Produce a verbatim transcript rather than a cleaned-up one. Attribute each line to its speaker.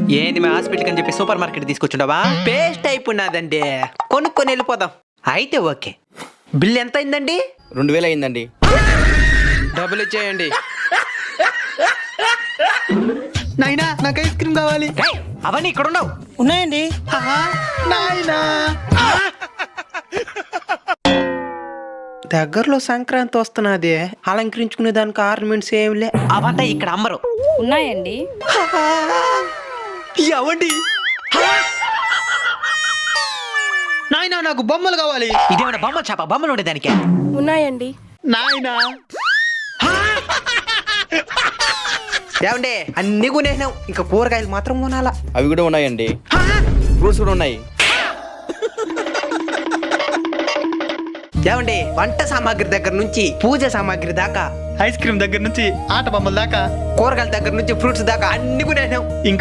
Speaker 1: ఏంది మా హాస్పిటల్ అని చెప్పి సూపర్ మార్కెట్ తీసుకొచ్చుండవా? పేస్ట్ అయిపోయినదండి, కొనుక్కొని వెళ్ళిపోదాం. అయితే ఓకే, బిల్ ఎంత అయిందండి?
Speaker 2: రెండు వేలు అయిందండి.
Speaker 1: డబ్బులు ఇచ్చేయండి.
Speaker 3: నాయనా నాకు ఐస్ క్రీమ్ కావాలి.
Speaker 1: రేయ్, అవన్నీ ఇక్కడ ఉండవు.
Speaker 4: ఉన్నాయండి.
Speaker 3: నాయనా దగ్గరలో సంక్రాంతి వస్తున్నది, అలంకరించుకునే దానికి ఆర్నమెంట్స్ ఏమిలే.
Speaker 1: అవంతా ఇక్కడ అమ్మరు.
Speaker 4: ఉన్నాయండి.
Speaker 3: ఎవండి నాయనా నాకు బొమ్మలు కావాలి.
Speaker 1: ఇదేమైనా బొమ్మ చేప? బొమ్మలు ఉండే దానికే.
Speaker 4: ఉన్నాయండి.
Speaker 3: నాయనా
Speaker 1: ఏమండే, అన్ని కొనేసినావు, ఇంకా కూరగాయలు మాత్రం కొనాలా.
Speaker 2: అవి కూడా ఉన్నాయండి. ఫ్రూట్స్ కూడా ఉన్నాయి.
Speaker 1: ఏమండి, వంట సామాగ్రి దగ్గర నుంచి పూజ సామాగ్రి దాకా,
Speaker 3: ఐస్ క్రీమ్ దగ్గర నుంచి ఆట బొమ్మల దాకా,
Speaker 1: కూరగాయల దగ్గర నుంచి ఫ్రూట్స్ దాకా అన్ని కొనేసినావు.